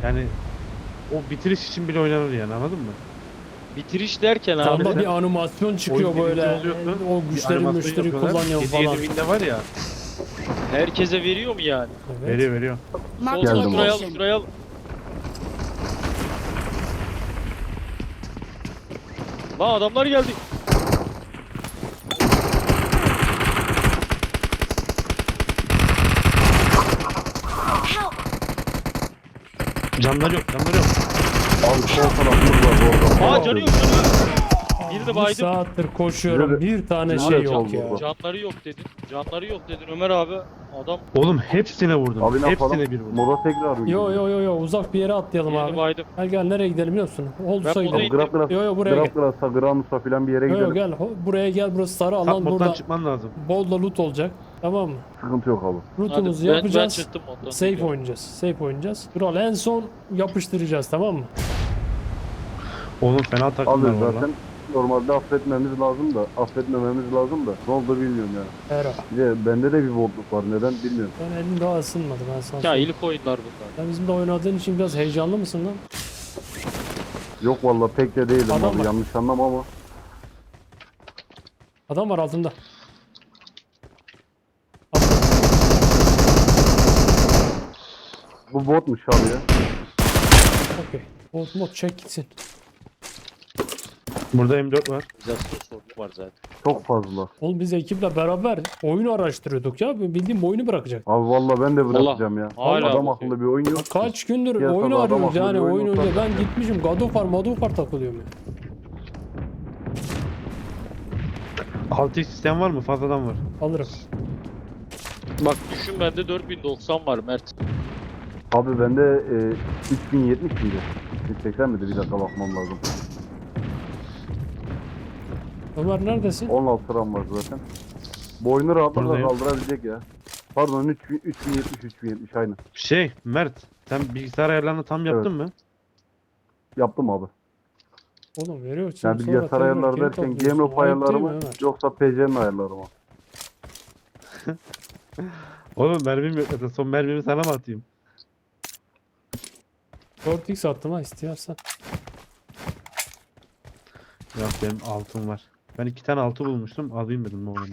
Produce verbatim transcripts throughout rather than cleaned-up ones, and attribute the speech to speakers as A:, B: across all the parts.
A: Yani o bitiriş için bile oynanır yani, anladın mı?
B: Bitiriş derken
A: Tamam,
B: abi.
C: Ama
A: sen-
C: bir animasyon çıkıyor
A: Oyun birinci
C: böyle.
A: oluyorsun,
C: O
A: bir
C: güçleri
A: animasyon
C: müşteri
A: yapıyorlar.
C: kullanıyor
A: Hediye
C: falan.
A: evinde var ya.
B: Herkese veriyor mu yani?
C: Evet.
A: Veriyor veriyor.
D: Marked a
B: Soldan
E: Geldim
B: şuraya al,
D: location.
B: şuraya al. Lan adamlar geldi.
D: Help!
A: Canları yok, canları yok.
E: Abi sol tarafımız var orada.
B: Aa canı yok canı yok. Birini
C: Bir
B: baydım.
C: saattir koşuyorum.
E: Nerede?
C: Bir tane
E: Nerede
C: şey yok
E: oldu
C: ya.
E: bu?
B: Canları yok dedin. Canları yok dedin Ömer abi. Adam
A: Oğlum hepsine vurdum.
E: Abi ne yapalım?
A: Hepsine bir vurdum.
E: Moda tekrar
C: Yo yo yo yo uzak bir yere atlayalım
B: birini
C: abi.
B: baydım.
C: Gel gel nereye gidelim biliyor musun? Holdus'a
B: Ben
C: gidelim.
B: buradayım.
E: Grab Grab.
C: Yo yo buraya gel.
E: Grab Grab'sa, Granus'a filan bir yere
C: Yo yo
E: gidelim.
C: gel. Ho- Buraya gel, burası sarı
A: Top
C: alan,
A: moddan
C: burada
A: çıkman lazım.
C: bol da loot olacak. Tamam mı?
E: Sıkıntı yok abi.
B: Hadi
C: Loot'umuzu
B: ben, ben
C: yapacağız.
B: çıktım ondan.
C: Safe oynayacağız. Safe oynayacağız. Kral en son yapıştıracağız, tamam mı?
A: Oğlum fena
E: Abi
A: takımlar var
E: zaten
A: lan.
E: normalde affetmemiz lazım da, affetmememiz lazım da. Ne oldu bilmiyorum yani.
C: Era.
E: Bir de bende de bir bolluk var. Neden bilmiyorum.
C: Ben elim daha ısınmadı ben sana
B: Ya
C: söyleyeyim.
B: ilk oyunlar bunlar.
C: Sen bizimle oynadığın için biraz heyecanlı mısın lan?
E: Yok vallahi pek de değilim
C: Adam
E: abi.
C: var.
E: Yanlış anlama ama.
C: Adam var altında. Altında.
E: Bu botmuş abi ya.
C: Okey. Mod mod çek gitsin.
A: Burada M dört var.
B: Organizasyon sorunu var zaten.
E: Çok fazla.
C: Oğlum biz ekiple beraber oyunu araştırıyorduk ya. Bildiğim oyunu bırakacak.
E: Abi vallahi ben de bırakacağım ya.
B: hala
E: Adam
B: bakıyor.
E: akıllı bir oyun yok.
C: Kaç gündür
E: Piyasada
C: oyunu
E: adam
C: arıyoruz
E: akıllı
C: yani
E: bir oyun
C: oyun
E: yok
C: önce. Ben
E: zaten.
C: gitmişim God of War, God of War takılıyorum ya.
A: altı x sistem var mı? Fazladan var.
C: Alırım.
B: Bak düşün bende dört bin doksan var Mert.
E: Abi bende e, üç bin yetmiş miydi? üç bin seksen miydi? Bir dakika bakmam lazım.
C: Ömer neredesin?
E: on altı RAM var zaten. Bu oyunu rahatlıkla
A: Buradayım.
E: kaldırabilecek ya. Pardon üç bin yetmiş üç bin yetmiş aynı.
A: Şey Mert, sen bilgisayar ayarlarını tam yaptın mı?
E: Yaptım abi.
C: Oğlum veriyorsun.
E: Yani
C: sonra
E: bilgisayar
C: tekrar
E: ayarları
C: geri
E: derken
C: topluyorsun.
E: GameLoop
C: Ayıp
E: ayarları
C: değil mi
E: mı
C: Ömer?
E: yoksa P C'nin ayarları mı?
A: Oğlum mermim yok zaten. Son mermimi sana mı atayım?
C: dört x attım ha istiyorsan.
A: Yok benim altım var. Ben iki tane altı bulmuştum. Alayım dedim oğlum.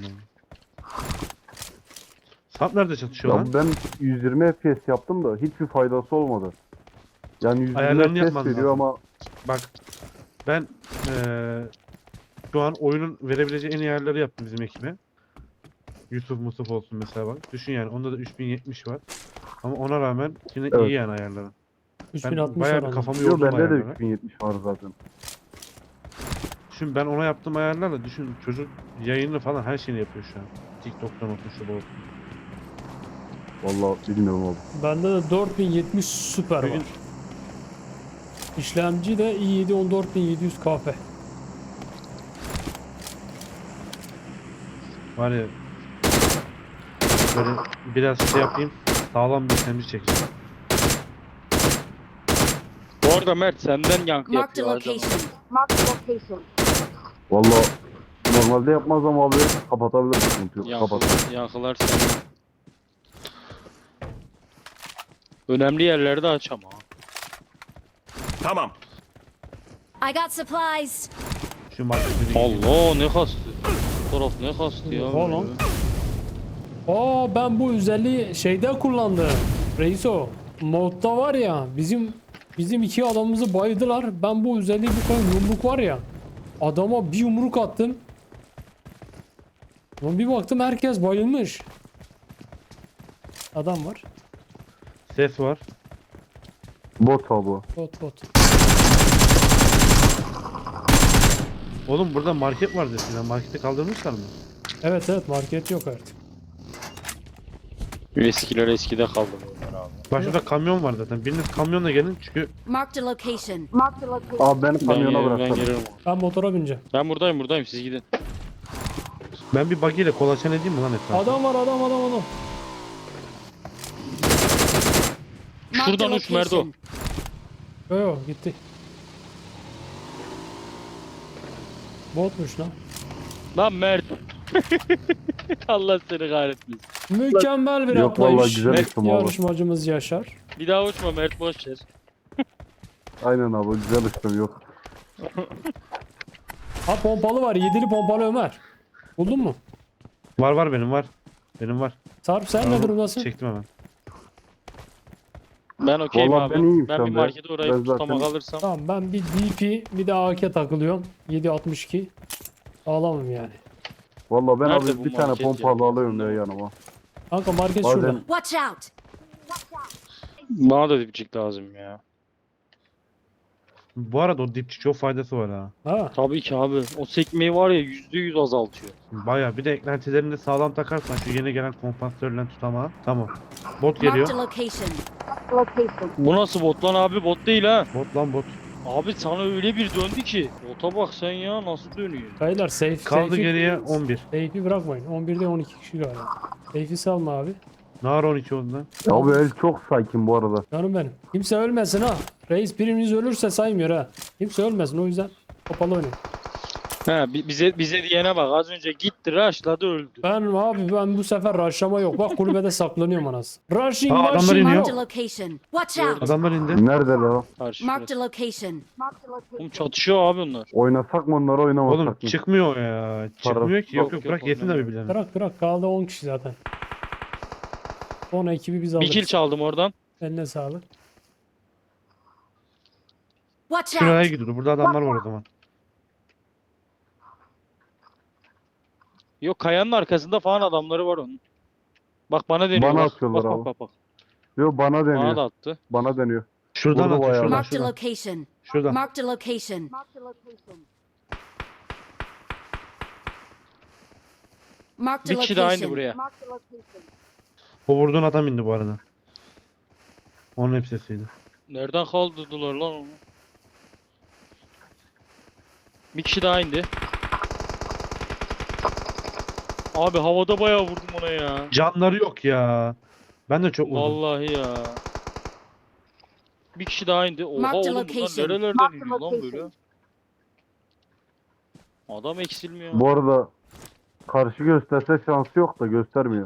A: Sap nerede çatışıyor lan?
E: Ya ben yüz yirmi F P S yaptım da hiçbir faydası olmadı. Yani yüz yirmi
A: Ayarlarını
E: F P S
A: yapman
E: veriyor
A: lazım.
E: ama
A: Bak ben eee şu an oyunun verebileceği en iyi ayarları yaptım bizim ekibe. Yusuf Musuf olsun mesela bak. Düşün yani onda da üç bin yetmiş var. Ama ona rağmen yine
E: Evet.
A: iyi yani ayarları.
C: üç
A: Ben
C: bin altmış
A: bayağı bir
C: oranı.
A: kafamı
E: yo,
A: yordum
E: bende de
A: ayarlara.
E: üç bin yetmiş var zaten.
A: Düşün ben ona yaptığım ayarlarla düşün çocuk yayını falan her şeyini yapıyor şu an. TikTok'tan olsun şu bu olsun.
E: Vallahi bilmiyorum abi.
C: Bende de dört bin yetmiş süper
A: Bugün-
C: var. İşlemci de i yedi on dört bin yedi yüz K F.
A: Var ya böyle biraz şey yapayım sağlam bir işlemci çekeceğim.
B: Bu arada Mert senden yankı
D: Marked a
B: yapıyor. Acaba.
D: location. Marked a location.
E: Vallahi normalde yapmaz ama abi kapatabilir sıkıntı yok. Kapat.
B: Yankılar, yankılar senden. Önemli yerlerde aç ama.
F: Tamam.
D: I got supplies.
A: Şu markete
B: Allah ne kastı. Bu taraf ne kastı ya.
C: Oha lan. Aa ben bu özelliği şeyde kullandım. Reiso. Modda var ya bizim bizim iki adamımızı bayıldılar. Ben bu özelliği bu kadar yumruk var ya. Adama bir yumruk attım. Ama bir baktım herkes bayılmış. Adam var.
A: ses var.
E: Bot abi bu.
C: Bot bot.
A: Oğlum burada market var desin. Marketi kaldırmışlar mı?
C: Evet evet market yok artık.
B: Eskiler eskide kaldı bunlar abi.
A: Bak şurada kamyon var zaten. Biriniz kamyonla gelin çünkü
D: Marked a location. Marked a location.
E: Abi beni
B: Ben,
E: kamyona
B: gelirim, ben
E: bıraksana.
B: gelirim.
C: Ben motora bineceğim.
B: Ben buradayım buradayım siz gidin.
A: ben bir buggy ile kolaçan edeyim mi lan etrafı?
C: Adam var adam adam adam.
D: Marked a
B: Şuradan uç Merdo.
D: location.
C: Yo yo gitti. Botmuş lan.
B: Lan Mert. Allah seni kahretmesin.
C: Mükemmel bir
E: Yok vallahi
C: atlayış.
E: güzel
B: Evet,
E: isim abi.
C: Yarışmacımız Yaşar.
B: Bir daha uçma Mert boş ver.
E: Aynen abi güzel işlem yok.
C: Ha pompalı var. Yedili pompalı Ömer. Buldun mu?
A: Var var benim var. Benim var.
C: Sarp sen
A: Tamam,
C: ne durumdasın?
A: Çektim hemen.
B: Ben okeyim
E: Vallahi
B: abi.
E: ben iyiyim
B: Ben
E: şu
B: bir
E: anda.
B: markete uğrayıp
E: Ben zaten-
B: tutamak alırsam.
C: Tamam ben bir D P bir de A K takılıyorum. yedi altmış iki. Alamam yani.
E: Vallahi ben
B: Nerede
E: abi
B: bu
E: bir tane
B: market ya?
E: pompalı alıyorum ya yanıma.
C: Kanka market
E: Bazen-
C: şurada.
D: Watch out!
B: Bana da dipçik lazım ya.
A: Bu arada o dipçik çok faydası var ha.
C: Ha.
B: Tabii ki abi. O sekmeyi var ya yüzde yüz azaltıyor.
A: Baya bir de eklentilerini de sağlam takarsan şu yeni gelen kompansatörle tutamağı. Tamam. Bot
D: Marked
A: geliyor.
D: a location. Location.
B: Bu nasıl bot lan abi? Bot değil ha.
A: Bot lan bot.
B: Abi sana öyle bir döndü ki. Bota bak sen ya nasıl dönüyor.
C: Beyler safe.
A: Kaldı
C: safe'i-
A: geriye on bir.
C: Safe'i bırakmayın. on birde on iki kişi galiba. Safe'i salma abi.
A: Nar on iki oldu lan.
E: Abi el çok sakin bu arada.
C: Canım benim. Kimse ölmesin ha. Reis birimiz ölürse saymıyor ha. Kimse ölmesin o yüzden kapalı oynayın.
B: He bi- bize bize diyene bak az önce gitti rushladı öldü.
C: Ben abi ben bu sefer rushlama yok. Bak kulübede saklanıyorum anasını. Rushing
A: Aa, adamlar
C: rushing
A: iniyor.
D: Marked a
C: yok.
D: location. Watch out!
A: Adamlar indi.
E: Neredeler o?
B: Karşı
D: Marked a
B: burası.
D: location. Marked a
B: Oğlum
D: location.
B: çatışıyor abi onlar.
E: Oynasak mı onları oynamasak
A: Oğlum
E: mı?
A: çıkmıyor ya. Çıkmıyor ki. Yok
B: Yok,
A: yok
B: yok,
A: bırak yesin de
B: oynamıyor.
A: birbirlerine.
C: Bırak bırak kaldı on kişi zaten. on ekibi biz
B: Bir
C: alırız.
B: kill çaldım oradan.
C: Eline sağlık.
D: Watch
A: Şuraya
D: out!
A: gidiyordu. Burada adamlar var o zaman.
B: Yok kayanın arkasında falan adamları var onun. Bak bana deniyor
E: Bana
B: bak.
E: atıyorlar
B: Bak
E: abi.
B: bak bak bak.
E: Yok bana
B: Bana da
E: deniyor.
B: attı.
E: Bana deniyor.
A: Şuradan
E: Vurdu
A: atıyor.
E: bayağı.
A: Şuradan
D: Marked a
A: şuradan.
D: location.
A: Şuradan.
D: Marked a location. Marked a location. Marked a
B: Bir kişi daha indi
D: location.
B: buraya.
D: Marked a location.
A: O vurduğun adam indi bu arada. Onun hepsiydi.
B: Nereden kaldırdılar lan onu? Bir kişi daha indi. Abi havada bayağı vurdum ona ya.
A: Canları yok ya. Ben de çok vurdum.
B: Vallahi ya. Bir kişi daha indi. Oha
D: Marked a
B: oğlum bunlar
D: location.
B: nerelerden
D: Marked a
B: iniyor lan böyle?
D: location.
B: Adam eksilmiyor.
E: Bu arada karşı gösterse şansı yok da göstermiyor.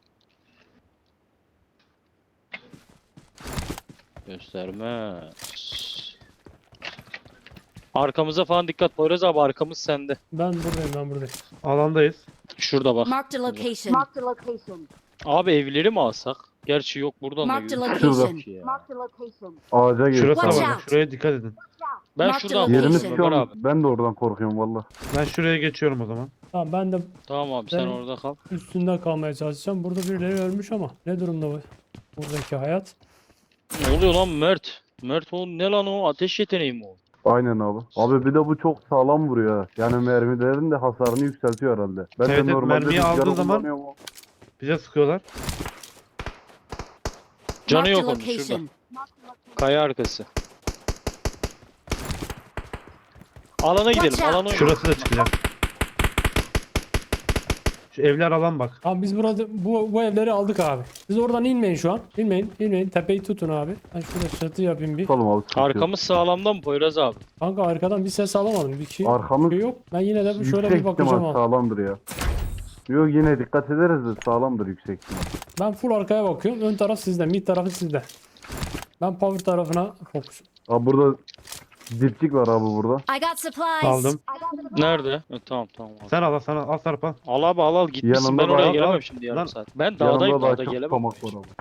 B: Göstermez. Arkamıza falan dikkat Poyraz abi, arkamız sende.
C: Ben buradayım ben buradayım.
A: Alandayız.
B: Şurada bak.
D: Marked a location. Marked a location.
B: Abi evleri mi alsak? Gerçi yok buradan da
D: Marked a
B: görüyoruz.
D: location.
B: Ya.
D: Marked a location.
E: Ağaca gir.
A: Şurası da
D: Watch
A: var.
D: out.
A: Şuraya dikkat edin.
B: Ben
D: Marked
B: şuradan
D: location.
E: Yerimiz
B: korkuyorum
E: şu
B: Ömer
E: an.
B: abi.
E: Ben de oradan korkuyorum valla.
A: Ben şuraya geçiyorum o zaman.
C: Tamam ben de
B: Tamam abi sen
C: Ben-
B: orada kal.
C: üstünde kalmaya çalışacağım. Burada birileri ölmüş ama ne durumda bu? Buradaki hayat.
B: Ne oluyor lan Mert? Mert o ne lan o? Ateş yeteneği mi o?
E: Aynen abi. Abi bir de bu çok sağlam vuruyor. ha. Yani mermilerin de hasarını yükseltiyor herhalde. Ben
A: Evet,
E: de
A: evet,
E: normalde
A: mermiyi
E: rüzgarı
A: aldığın zaman-
E: kullanıyorum ama-
A: Bize sıkıyorlar.
B: Canı
D: Marked a
B: yok onun şurada.
D: location.
B: Kaya arkası. Alana gidelim.
D: Watch out.
B: Alana oynayalım.
A: Şurası da çıkacak. Şu evler alan bak.
C: Tamam biz burada bu, bu evleri aldık abi. Siz oradan inmeyin şu an. İnmeyin, inmeyin. Tepeyi tutun abi. Ben şurada çatı yapayım bir.
E: Tutalım abi. sıkıntı yok.
B: Arkamız sağlamdan mı Poyraz abi?
C: Kanka arkadan bir ses alamadım. Bir kişi
E: Arkamız
C: şey yok. Ben yine de bir şöyle
E: yüksek
C: bir bakacağım
E: ihtimal
C: abi.
E: sağlamdır ya. Yok yine dikkat ederiz de sağlamdır yüksek ihtimal.
C: Ben full arkaya bakıyorum. Ön taraf sizde, mid tarafı sizde. Ben power tarafına fokus.
E: Abi burada dipçik var abi burada.
D: I got supplies.
A: Aldım.
B: Nerede? E, tamam tamam abi.
A: Sen al sana al Sarp al.
B: Al abi al al gitmişsin,
E: Yanında
B: ben oraya
E: bayağı-
B: gelemem şimdi yarım
A: Lan-
B: saat. Ben dağdayım,
E: Yanımda daha
B: dağda
E: çok
B: gelemem.
E: tutamak var abi.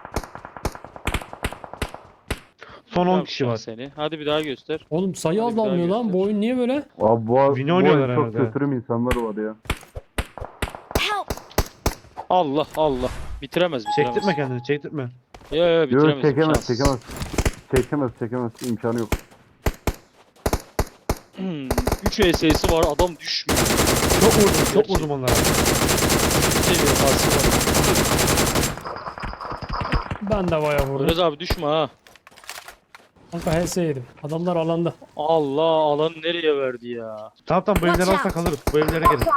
A: Son on
B: Yapacağım
A: kişi var.
B: Seni. Hadi bir daha göster.
C: Oğlum sayı
B: Hadi bir daha
C: azalmıyor lan.
B: göster.
C: Bu oyun niye böyle?
E: Abi bu,
A: Vini
E: bu
A: oynuyorlar
E: oyun çok
A: herhalde.
E: kötürüm insanlar var ya.
D: Help!
B: Allah Allah. Bitiremez bitiremez.
A: Çektirtme kendini çektirtme.
B: Yo yo
E: Yok
B: bitiremez.
E: çekemez
B: imkansız.
E: çekemez. Çekemez çekemez imkanı yok.
B: Hmm, üç E S'si var, adam düşmüyor.
A: Çok vurdum çok
B: Gerçi-
A: vurdum onlara.
B: Seviyor pası var.
C: Ben de bayağı vurdum.
B: Poyraz abi düşme ha.
C: Kanka H S yedim. Adamlar alanda.
B: Allah, alan nereye verdi ya?
A: Tamam tamam bu evleri
D: Watch
A: alsak
D: out.
A: alırız. Bu evlere gelin.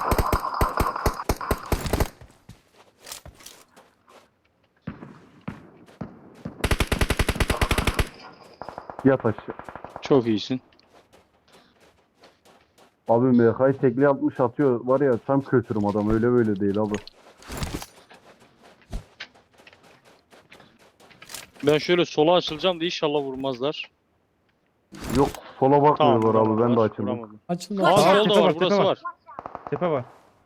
E: Yat aşağı.
B: Çok iyisin.
E: Abi M K'yı tekli altmış atıyor var ya tam kötürüm adam öyle böyle değil abi.
B: Ben şöyle sola açılacağım da inşallah vurmazlar.
E: Yok sola bakmıyorlar
B: Tamam,
E: abi ben de
B: vuramadılar,
E: açıldım.
B: vuramadım.
C: Açıldı.
B: Aa
D: Watch
A: Aa,
D: out.
B: solda
A: tepe
B: var,
A: var, tepe
B: burası
A: var.
B: var.
A: Tepe var.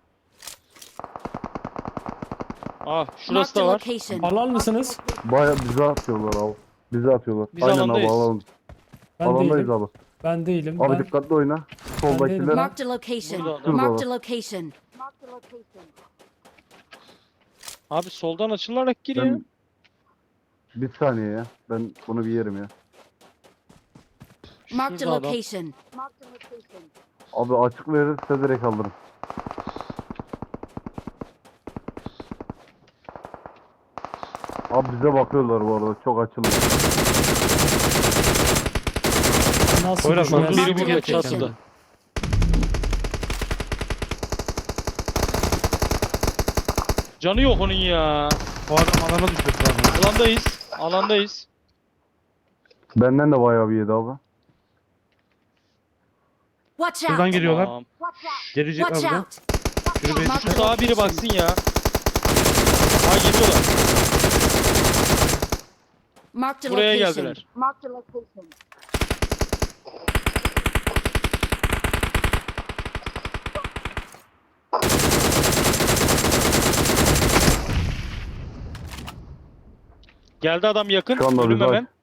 B: Aa şurası
D: Marked a
B: da var.
D: location.
C: Alan mısınız?
E: Baya bize atıyorlar abi. Bize atıyorlar.
B: Biz
E: Aynen
B: alandayız.
E: abi alalım.
C: Ben
E: Alandayız
C: değilim.
E: abi.
C: Ben değilim.
E: Abi
C: Ben
E: dikkatli oyna.
C: değilim.
E: Soldakiler.
D: Marked a location.
B: Burada adam.
D: Marked a location. Marked a location.
B: Abi soldan açılarak giriyor.
E: Ben... Bir saniye ya. Ben bunu bir yerim ya.
D: Marked a
B: Şurada adam.
D: location. Marked a location.
E: Abi açık verirse direkt alırım. Abi bize bakıyorlar bu arada. Çok açıldı.
C: nasıl
A: Poyraz, bak,
C: düşmez?
A: biri
B: Biri
A: bu
B: burada
A: gerçekten.
B: çatıda. Canı yok onun ya.
A: O adam alana düşmesi lazım.
B: Alandayız. Alandayız.
E: Benden de bayağı bir yedi abi.
D: Watch
A: Şuradan
D: out.
A: geliyorlar.
B: Tamam.
A: Gelecek
D: Watch
A: abi.
D: out.
A: Şunu bir
D: Marked a
B: Daha biri
D: location.
B: baksın ya. Ha geliyorlar.
D: Marked a
B: Buraya
D: location.
B: geldiler.
D: Marked a location.
B: Geldi adam yakın.
E: Şu anda
B: Ölüm
E: bizi
B: hemen.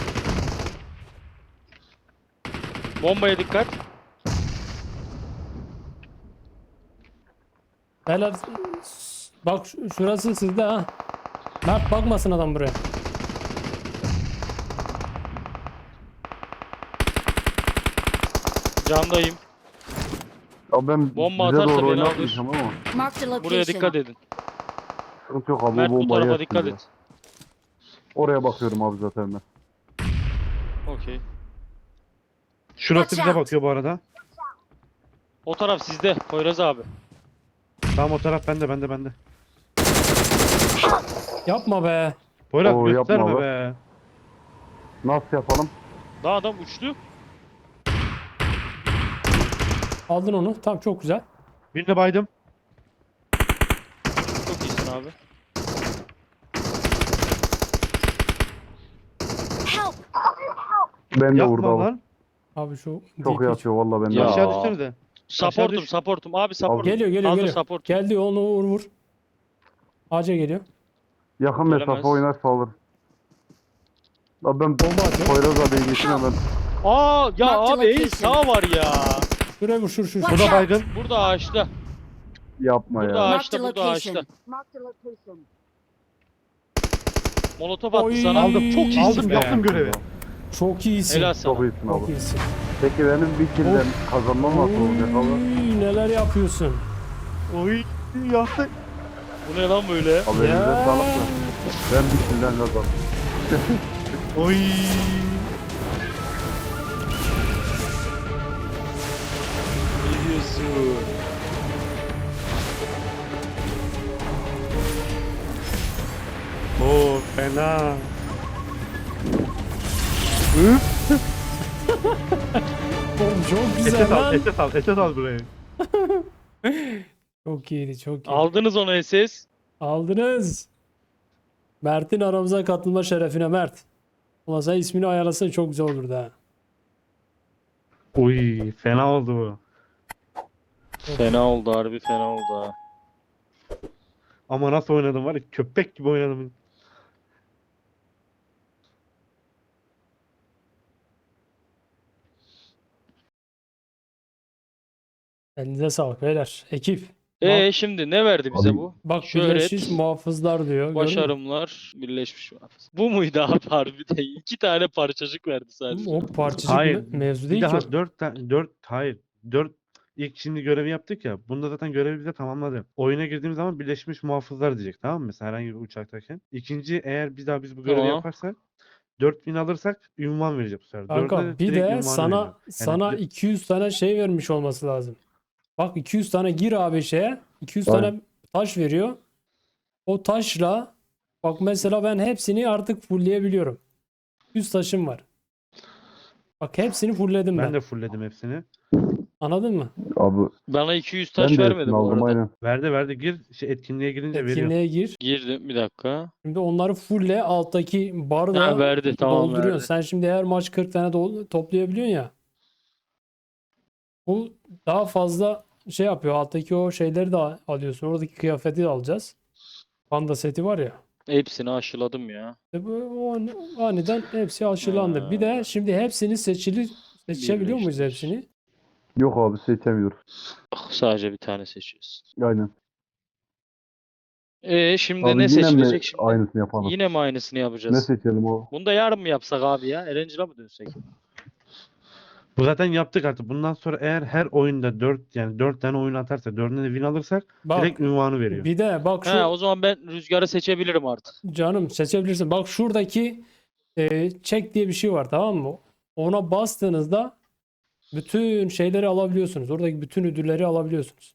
B: Bombaya dikkat.
C: Beyler bak şu- şurası sizde ha. Mert bakmasın adam buraya.
B: Candayım.
E: Abi ben
B: Bomba
E: bize
B: atarsa
E: doğru
B: beni alır.
E: oynatmayacağım ama.
D: Marked a location.
B: Buraya dikkat edin.
E: Sıkıntı yok abi.
B: Mert
E: o
B: bu
E: bombayı
B: tarafa
E: yersin
B: dikkat
E: diye.
B: et.
E: Oraya bakıyorum abi zaten ben.
B: Okey.
A: Şurası
D: Watch
A: bize
D: out.
A: bakıyor bu arada.
B: O taraf sizde. Poyraz abi.
A: Tamam, o taraf bende bende bende.
C: Yapma be.
A: Poyraz
E: Oo, yapma
A: gösterme
E: be.
A: be.
E: Nasıl yapalım?
B: Daha adam uçtu.
C: Aldın onu. Tamam çok güzel.
A: Birine baydım.
B: Çok iyisin abi.
D: Help.
E: Ben de
A: Yapma
E: vurdu abi.
A: lan.
C: Abi şu
E: Çok iyi
C: D P
E: atıyor valla ben de.
B: Ya.
A: Aşağı düşsenize.
B: Supportum
A: düş.
B: supportum. Abi supportum.
C: Geliyor geliyor
B: Hazır
C: geliyor.
B: support.
C: Geldi onu vur vur. Ağaca geliyor.
E: Yakın
B: Gelemez.
E: mesafe oynarsa alır. Abi ben
C: Bomba atıyor.
E: Poyraz abiye geçeyim hemen.
B: Aa ya
D: Marked
B: abi el
D: location.
B: sağ var ya.
C: Şuraya vur şur şur.
D: Watch
C: şur.
A: Bu da
D: out.
A: baygın.
B: Burada ağaçta.
E: Yapma
B: Burada
E: ya.
D: Marked
B: ağaçta
D: a
B: burada
D: location.
B: ağaçta.
D: Marked a location.
B: Molotof attı
C: Oy.
B: sana.
A: Aldım.
B: Çok iyisin
A: Aldım,
B: be.
A: yaptım görevi.
C: Çok iyisin.
B: Helal sana.
E: Çok iyisin
C: Çok
E: abi.
C: iyisin.
E: Peki benim bir kilden kazanmam nasıl olacak abi?
C: Oy, neler yapıyorsun?
A: Oy yaptık.
B: Bu ne lan böyle?
E: Abi elinize
C: Ya.
E: sağlık da. Ben bir kilden kazandım.
A: Oy.
B: Ne diyorsun?
A: Oo fena.
C: Oğlum çok
A: Ete
C: güzel
A: sal,
C: lan.
A: ete sal, ete sal burayı.
C: Çok iyiydi çok iyi.
B: Aldınız onu S S.
C: Aldınız. Mert'in aramıza katılma şerefine Mert. Ulan sen ismini ayarlasan çok güzel olurdu ha.
A: Oy fena oldu bu.
B: Fena oldu harbi fena oldu ha.
A: Ama nasıl oynadım var ya, köpek gibi oynadım.
C: Elinize sağlık beyler. Ekip.
B: Ee şimdi ne verdi bize
E: Abi-
B: bu?
C: Bak
B: Şöhret,
C: birleşmiş muhafızlar diyor. gördün mü?
B: başarımlar, birleşmiş muhafız. Bu muydu abi harbiden? İki tane parçacık verdi sadece.
C: O parçacık
A: Hayır.
C: mı? Mevzu
A: Bir
C: değil ki. o.
A: daha dört tane, dört, hayır. Dört ilk şimdi görevi yaptık ya. Bunda zaten görevi bize tamamladı. Oyuna girdiğimiz zaman birleşmiş muhafızlar diyecek, tamam mı? Mesela herhangi bir uçaktayken. İkinci, eğer bir daha biz bu görevi
B: Tamam.
A: yaparsak dört bin alırsak ünvan verecek bu sefer.
C: Kanka
A: Dörde
C: bir
A: direkt
C: de
A: ünvanı
C: sana
A: veriyor.
C: sana
A: bir-
C: iki yüz tane şey vermiş olması lazım. Bak iki yüz tane gir abi şeye. iki yüz
E: Aynen.
C: tane taş veriyor. O taşla bak mesela ben hepsini artık fullleyebiliyorum. yüz taşım var. Bak hepsini fullledim ben.
A: Ben de fullledim hepsini.
C: Anladın mı?
E: Abi
B: Bana iki yüz
E: ben
B: taş
E: de
B: vermedi
E: hepsini
B: bu
E: aldım
B: arada.
E: aynen.
A: Verdi verdi gir. Şey, etkinliğe girince veriyor.
C: Etkinliğe gir.
B: Girdim bir dakika.
C: Şimdi onları fulle alttaki
B: Ha,
C: barda
B: verdi tamam
C: dolduruyorsun.
B: verdi.
C: Sen şimdi her maç kırk tane dol- toplayabiliyorsun ya. Bu daha fazla şey yapıyor. Alttaki o şeyleri de al- alıyorsun. Oradaki kıyafeti de alacağız. Panda seti var ya.
B: Hepsini aşıladım ya.
C: İşte bu o an- aniden hepsi aşılandı. Bir de
B: Ha.
C: şimdi hepsini seçili seçebiliyor muyuz
B: Birleştir.
C: hepsini?
E: Yok abi seçemiyoruz.
B: Ah, sadece bir tane seçiyoruz.
E: Aynen.
B: Ee şimdi
E: Abi
B: ne
E: yine mi
B: seçilecek şimdi?
E: aynısını yapalım?
B: Yine mi aynısını
E: Ne
B: yapacağız?
E: seçelim o?
B: Bunu da yarın mı yapsak abi ya? Erangel'a mı dönsek?
A: Bu zaten yaptık artık. Bundan sonra eğer her oyunda dört yani dört tane oyun atarsak dördüne de win alırsak
C: Bak
A: direkt ünvanı veriyor.
C: bir de bak şu
B: Ha, o zaman ben Rüzgar'ı seçebilirim artık.
C: canım seçebilirsin. Bak şuradaki e, check diye bir şey var, tamam mı? Ona bastığınızda bütün şeyleri alabiliyorsunuz. Oradaki bütün ödülleri alabiliyorsunuz.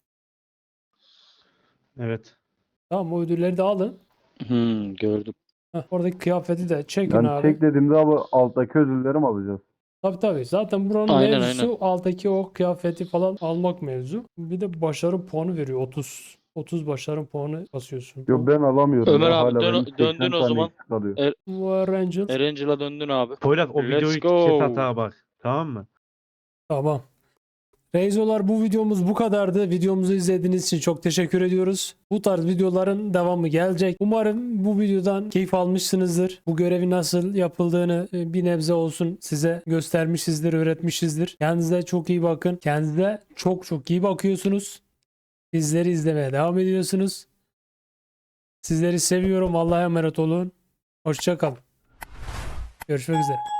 A: Evet.
C: Tamam, o ödülleri de alın.
B: Hmm, gördüm.
C: Heh, oradaki kıyafeti de çekin
E: Yani
C: abi.
E: çek dediğimde abi alttaki ödülleri mi alacağız?
C: Tabii tabii. Zaten buranın
B: Aynen,
C: mevzusu alttaki o kıyafeti falan almak mevzu. Bir de başarı puanı veriyor. otuz. otuz başarı puanı basıyorsun.
E: Yok ben alamıyorum.
B: Ömer
E: ya.
B: abi,
E: Hala
B: dön-
E: benim seksen
B: döndün o
E: tane
B: zaman.
E: eksik kalıyor.
B: Er-
C: Bu Angel.
B: Erangel'a döndün abi.
A: Poyraz o
B: Let's
A: videoyu
B: go.
A: kes hata bak. Tamam mı?
C: Tamam. Reizolar, bu videomuz bu kadardı. Videomuzu izlediğiniz için çok teşekkür ediyoruz. Bu tarz videoların devamı gelecek. Umarım bu videodan keyif almışsınızdır. Bu görevi nasıl yapıldığını e, bir nebze olsun size göstermişizdir, öğretmişizdir. Kendinize çok iyi bakın. Kendinize çok çok iyi bakıyorsunuz. Bizleri izlemeye devam ediyorsunuz. Sizleri seviyorum. Allah'a emanet olun. Hoşça kalın. Görüşmek üzere.